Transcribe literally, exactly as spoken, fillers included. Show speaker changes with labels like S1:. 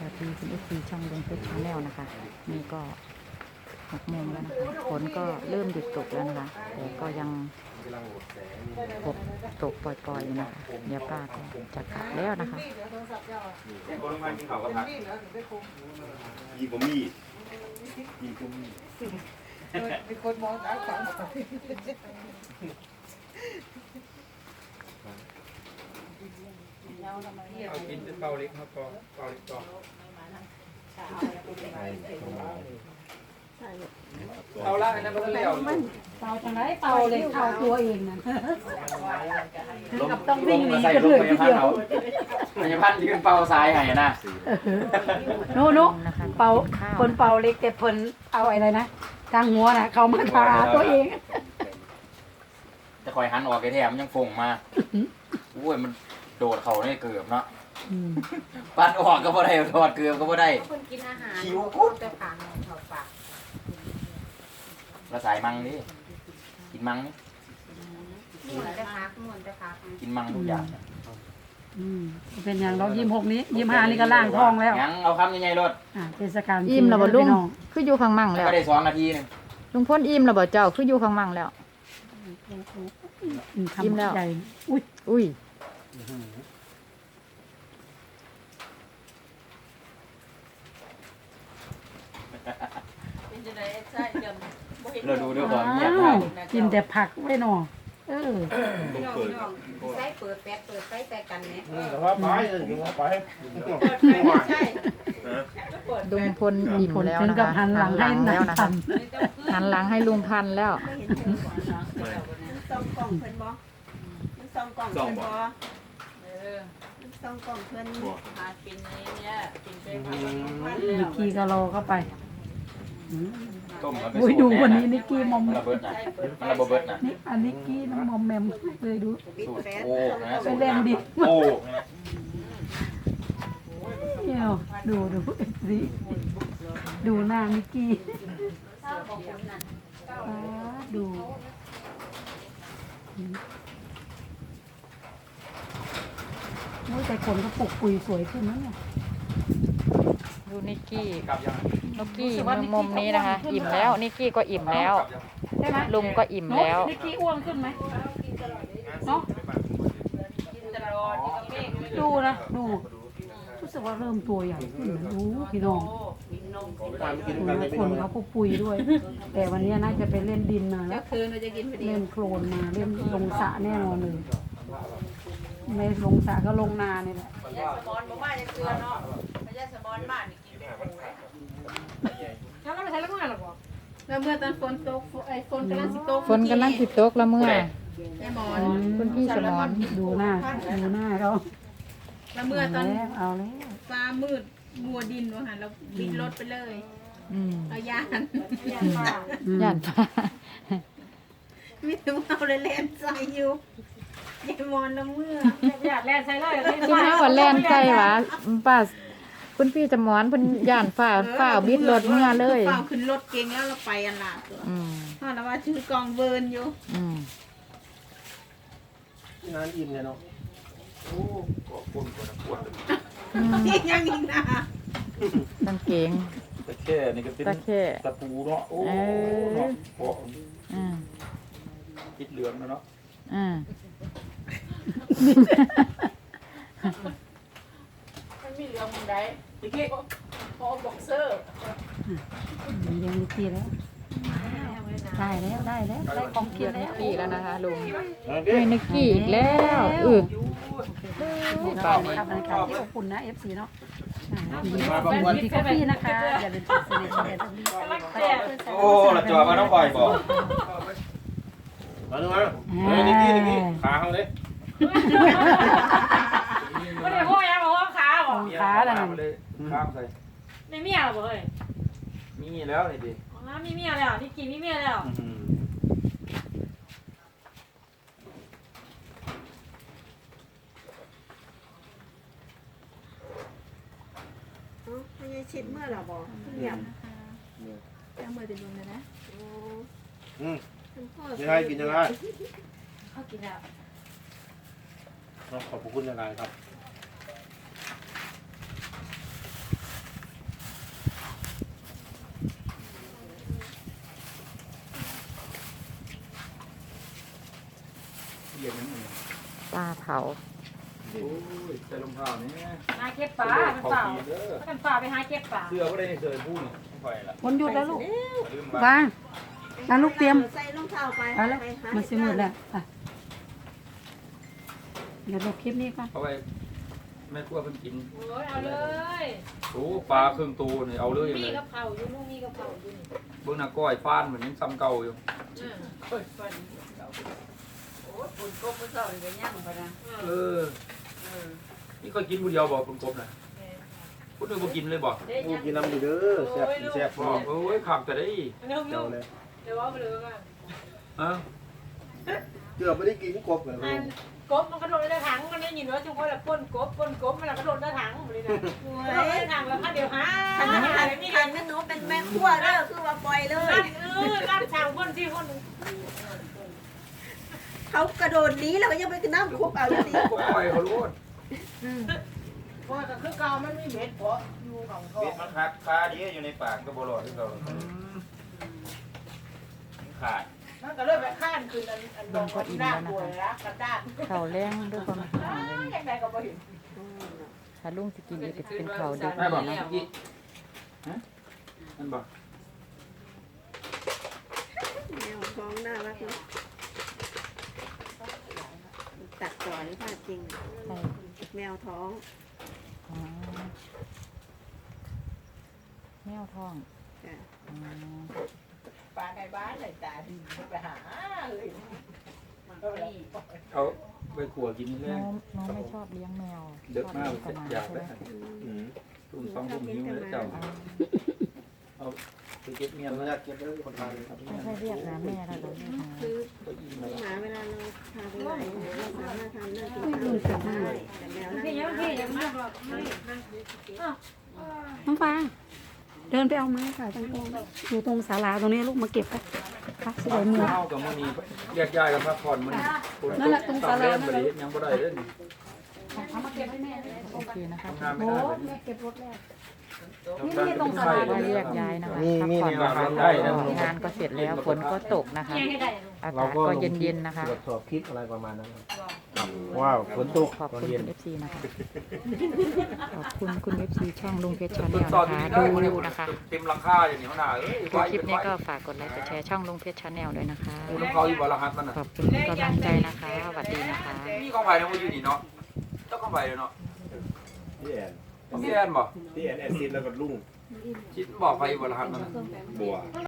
S1: วัสดีคุณเอฟซีช่องลุงเพชรชาแนลนะคะนี่ก็หกโมงแล้วนะคะฝนก็เริ่มหยุดตกแล้วนะคะแต่ก็ยังตกตกปล่อยๆอยู่นะคะเดี๋ยวป้าก็จะกลับแล้วนะคะ
S2: ยี่ผมมียี่ผมมีเป็นคนมองตาขวาง
S3: เอากินเป็นเปาเล็กครับก็เปาเล็กก่อนเอาละอันนั้นมันเลี้ยว
S4: เป่าจังไรเป่าเลยเป่าตัวเองนั่น
S5: กับต้องวิ่งหนีกันเลยทีเดียวพยาพันธ์ยืนเป่าซ้ายให้นะ
S4: โน้โน้เป่าคนเป่าเล็กแต่เพิ่นเอาอะไรนะทางหัวน่ะเขามาทาตัวเอง
S5: จะคอยหันออกไอ้แถมยังฟงมาโอ้ยมันโดดเขาเนี่ยเกือบเนาะปัดออกก็บ่ได้ถอดเกือบก็บ่ได้
S6: คนกินอาหาร
S5: คิวกุ๊ด
S6: แต่ปากเถาปาก
S5: ละสายมังดิกินมังนี่
S6: ม่วนแต่พักม่วนแต่พัก
S5: กินมังทุกอย่าง
S4: อืมเป็นอย่างเรายิ้มหกนี้ยิ้มห้านี่ก็ล่างท้องแล้ว
S5: ยังเอาคำยังไงรถ
S4: อ่าเทศกาล
S1: อิ่มแล้วบ่ลุง
S4: พี่น้อง
S1: คืออยู่ข้างมั่งแล้ว
S5: ก็ได้สองนาทีนึง
S1: ลุงพ้นอิ่มแล้วบ่เจ้าคืออยู่ข้างมั่งแล้ว
S4: อืม
S1: ยิ้มแล้ว
S4: คำใหญ่อุ้ย
S1: อุ้ย
S5: เราดูด้วยความเงียบ
S4: อ้าว
S5: นะ
S4: กินแต่ผักไว้หนอเออ
S6: พี่น้องพี่น้องใส่เปิดแป๊ดเปิดไฟแต่กันเนี่ย
S2: แต่ว่าไปถึงว่าไป
S6: เปิดไฟไม่ใช่เปิด
S1: ลุงพลอิ่ม
S4: ผล
S1: แล้ว
S4: ถึง
S1: นะ
S4: กับ
S1: คะ
S4: หันหลังให้
S1: แล้
S4: นั
S1: ว
S4: ก
S1: นะ
S4: ตั
S1: คะ
S4: น
S1: หันหลังให้ลุงพันธุ์แล้ว
S7: ส่องกล่องเพิ่นบ่มันส่องกล่องเพิ่นบ่มันส่องกล่องเพิ่น
S6: หากินนี้เนี่ยกินไปพัก
S4: นิกกี้ก็รอเข้าไปอืม
S5: ต้มแล้วไป
S4: อุ้ย
S5: สู
S4: ดู
S5: ตร
S4: วัน
S5: แน่
S4: นี้นิกกี้มอม
S5: มันระเบิดนะมันระเบิดนะ
S4: นี่อันนิกกี้น้ำมอมแมมเลยดู
S5: สูตรโอ้นะ
S4: ไปเล่นดิ
S5: โอ้
S4: เนี่ยดูดูสิดูหน้านิกกี้อ่าดูโอ้ยแต่คนก็ปลุกปุยสวยขึ้นนะเนี่ย
S1: ดูนิกกี้
S3: กลับยัง
S1: นิกกี้มุมนี้นะคะ อิ่มแล้วนิกกี้ก็อิ่มแล้ว
S4: ใช่ไหม
S1: ลุงก็อิ่มแล้ว
S4: นิกกี้อ้วนขึ้นไหมเนาะดูนะดูรู้สึกว่าเริ่มตัวใหญ่ขึ้นนะดูพี่น้อง
S2: การกิน
S4: ดู
S2: กัน
S4: นะ
S2: ไม่
S4: คน
S2: นอน
S4: เขาก็ปุยด้วย แต่วันนี้น่าจะไปเล่นดินมาแล้ว
S6: คืนเราจะกินพอดี
S4: เล่นโคลนมาเล่นลงสระแน่นอนเลยไม่ลงสระก็ลงนาเนี่ยแหละ
S6: ยาสมอนบ่มาจะเกลือเนาะยาสมอนบ้านนี่กินไปปูเลย
S4: แล้วเราไปใช้แล้วเมื่อไหร่หรอ
S7: แล้วเมื่อตอนฝนตกไอ้ฝนกำลังสิตก
S1: ฝนกำลังสิตกแล้วเมื่อ
S7: ไอ้หมอน
S1: คุณพี่สมร
S4: ดูหน้าดูหน้าเขา
S7: แล้วเมื่อตอน
S4: แล้วเอาแล้ว
S7: ฟ้ามืดมัวดินว่าหั่นเราบินรถไปเลย
S1: อืม
S7: เอาย่าน
S1: ย่านฟ้า
S7: มีแต่ว่าเอาเลยแลนใส่อยู่ไอ้หมอนละเมื่อ
S4: อยากแล่นใส่เลย
S1: ที่แม่ว่าแล่นใกล้หวะป้าคุณพี่สมรเพิ่นย่านฟ้าฟ้าบิดรถเมื่อเลย
S7: เปล่าขึ้นรถเก่งแล้วเราไปอันละตัว
S1: อืม
S7: เพราะเราว่าชื่อกองเบิร์นอยู่
S1: อืม
S2: งานอิ่มเลยเนาะ
S7: ยังอีกนะ
S1: กางเกง
S2: ตะแค่นี่ก็เป็น
S1: ตะเข้
S2: ตะปูเนาะโอ้
S1: เออ
S2: เนาะโอ้
S1: อืม
S2: คิดเหลืองแล้วเนาะ
S1: อืม
S6: มันมีเรื่องมึงได้อีกพอบ็อกเซอร์
S4: เลี้ยงนิกกี้แล้วได้แล้วได้แล้วได้ของกิ
S1: เกีย
S4: น
S1: รนิ
S4: แล้
S1: ก
S4: ว
S1: กี้แล้วนะคะลุง
S2: นั่นดิ
S1: เฮ้ยนิกกี้อีกแล้วอือ
S4: ตอนนี้ครับบรรยากาศที่อบอุ่นนะ เอฟ ซี เนาะที่กาแฟนะคะ อย่าลืมกดติดตามกันด้วย
S5: โอ้เราจอดมาต้องปล่อยบอก
S2: มาดูมาเฮ้ยนิกกี้นิกกี้ขาเขาเลย
S8: ไม่ได้พูดยังบอกว่าขาบอก
S4: ขาแล้ว
S3: ข้า
S4: นั่
S3: ม
S4: น
S3: เลยข้ามใส่
S8: ไม่เมียหรอบอกเลย
S3: มีแล้วนี่ดิ
S8: อ๋อมีเมียแล้วนี่กินมีเมียแล้ว
S7: ไม่ใช่ชิดเมื่อหรอบอกเงียบแก้เมื่อจะดูเลยนะ
S2: อืม
S7: คุณพ่อ
S2: ยังไงกินยังไง
S8: เขากินแล้ว
S2: ขอบคุณยังไงครับ
S1: เผา
S3: โอ้ยใส่รองเท้านี่
S8: หาเก็บปลาเป็นเปล่าเป็นเปล่าไปหาเก็บปลา
S3: เสื้อก็ได้เสื้อผู้นี่ปล่อยละ
S4: วันหยุดแล้วลูก
S3: ลืม
S4: วางแล้วลูกเตรียม
S7: ใส่รองเท้าไป
S4: เอาแล้ว
S7: ไปหา
S4: มันสิมืดแล้วอ่ะเดี๋ยวลบคลิปนี้ก่อน
S3: เอาไว้แม่ครัวเพิ่นกิน
S8: โอ้ยเอาเลย
S3: โอ้ปลาครึ่งตัวนี่เอาเลย
S8: มี
S3: เลย
S8: กับเขาอยู่ลูกมีกับเขาอยู่นี่
S3: เบิ่งหน้าก้อยฟ้านเหมือนยังซ้ำเก่าอยู่
S6: โอ้ยปุ่นกบมันเศร้าเลยก็ย่างไปนะ
S3: เออนี่ก็กินผู้เดียวบ่คุณกบน่ะคุณนึกบ่กินเลยบ่
S9: กูกินน้ำอยู่เด้อแซ่บแซ่บ
S3: บ่โอ้ยขับแต่ได้
S8: เร็ว
S9: เจ้าเลย
S8: เดี๋ยวว่าไปเลยกัน
S3: ฮะ
S9: เกือบไม่ได้กินกบเลย
S8: อันกบมันกระโดดในถังมันได้ยินว่าจุ๊บว่าป้นกบป้นกบมันกระโดดในถังเลยนะกระโดดในถังแล้วพันเดียวหา
S7: ขันขัน
S8: ขั
S7: ขั
S8: น
S7: น
S8: นี่
S7: ขั
S8: ขั
S7: น
S8: น
S7: แม่หนูเป็นแม่ครัวเด้อคือว่าปล่อยเลย
S8: ลั่นเออลั่นช่างพ่นที่พ่น
S7: เขากระโดดหนี้แล้วก็ยังไปน้ำคุบเอาอยู่ดี
S3: ก็ปล่อยเขาโลด
S6: เพราะก็คือเก่ามันไม่เม็ดเพราะอยู่ของเขา
S5: เบ็ดมันหักคาดีอยู่ในปากก็บ่รอดที่เราขาด
S6: มันก็เลยไปข้านคืนอันอันดงก็หน้าป่วยรักกระด้าง
S1: เขาแรงด้วยความห่างเลย
S6: ยังไงก็บ่เห็น
S1: ถ้าลุงสกินนี่ก็จะเป็นเขาดึก
S3: ได้บ่
S1: นะ
S3: อีฮะนั่นบ่
S7: แมวท้องน่ารักเนาะตัดต่อหรือเปล่าจริง
S1: ใช่
S7: แมวท้อง
S1: อ๋อแมวท้อง
S7: จ้ะ
S1: อ๋อ
S6: ปลาในบ้านเลยตาดีไปหาเลยมันก็มี
S3: เอาไปขัวกินแล้
S1: น้
S3: ว
S1: องน้องไม่ชอบเลี้ยงแมว
S3: เด็กมาก
S1: ชอบเลี้
S3: อยาก
S1: ง
S3: ได้
S1: ใช่ไหม
S9: อืม
S3: ตุ้มสองตุ้มนิ้วแล้วเจ้า
S1: อ๋อ
S3: เอาไปเก็บเมีย
S9: เรา
S3: น
S9: อยากเก็บไว้คนไทยครับ
S1: ไม่ใช่เรียกนะแม่เราเราเรียกนะ
S7: คือ
S3: ก็อีมา
S7: หมาเวลาเราพาไปไหนเราสามารถทำได้ทุก
S4: ไม่
S7: ท
S4: ลืมเสร็จ
S7: ำ
S4: ได้
S7: ได้แต่แมวนั่ง
S8: พี่ยัง
S7: ไม่
S8: พี่
S7: ได้
S8: ยังมากหรอกไม่
S4: น้องฟางเดินไปเอาไม้ค่ะตรงนี้อยู่ตรงศาลาตรงนี้ลูกมาเก็บไปครับสวยมือ
S3: ข้าวกับมื้อนี้แยกย้ายกันพักผ่อนมื้อนี้
S4: นั่นแหละตรงศาลานั่
S3: บ่
S4: นแห
S3: ได้
S4: ละ
S3: เฮ็ดหยังบ่ได้เด้อนี่
S4: เอามาเก็บให้แม่
S1: โอเคนะคะ
S3: ทำงานไม่
S4: โอ้
S3: ได้เลย
S4: แม่เก็บรถแล้ว
S3: นี่นี่ตรงศาลา
S1: ว่าเรียกย้ายนะคะพักผ่อนก่อนแล้วก็งานก็เสร็จแล้วฝนก็ตกนะคะ
S8: ยังให้ได้
S1: อากาศก็เย็นๆนะคะ
S9: ตรวจสอบคลิปอะไรประมาณนั้นครับว้าวฝนตก
S1: ขอบ
S9: ตอน
S1: คุณ
S9: เย็น
S1: คุณ เอฟซี นะคะ ขอบคุณคุณ เอฟซี ช่องลุงเพชรชาแนล
S3: ตอน
S1: นะ
S3: นี้
S1: คะ
S3: ได้
S1: ดู
S3: บ่ได้
S1: นะคะ
S3: เต็มหลังคาอย่างนี้หัวหน้าเอ้ย
S1: ดูคลิปนี้ก็ฝากกดไลค์กดแชร์ช่องลุงเพชรชาแนลด้วยนะคะ
S3: กูน้ำเขาอยู่บ่รหัสมันน่ะ
S1: ขอบคุณทุกกำลังใจนะคะสวัสดีนะคะ
S3: มีของไผเนี่ยบ่อยู่นี่เนาะเจ้าของไผเนาะ
S9: พี่แอน
S3: พี่แอนบ่
S9: พี่แอนแอนซินแล้วก็ลุง
S3: คิดบอกไผบ่รหัสมันน่ะ
S9: บัว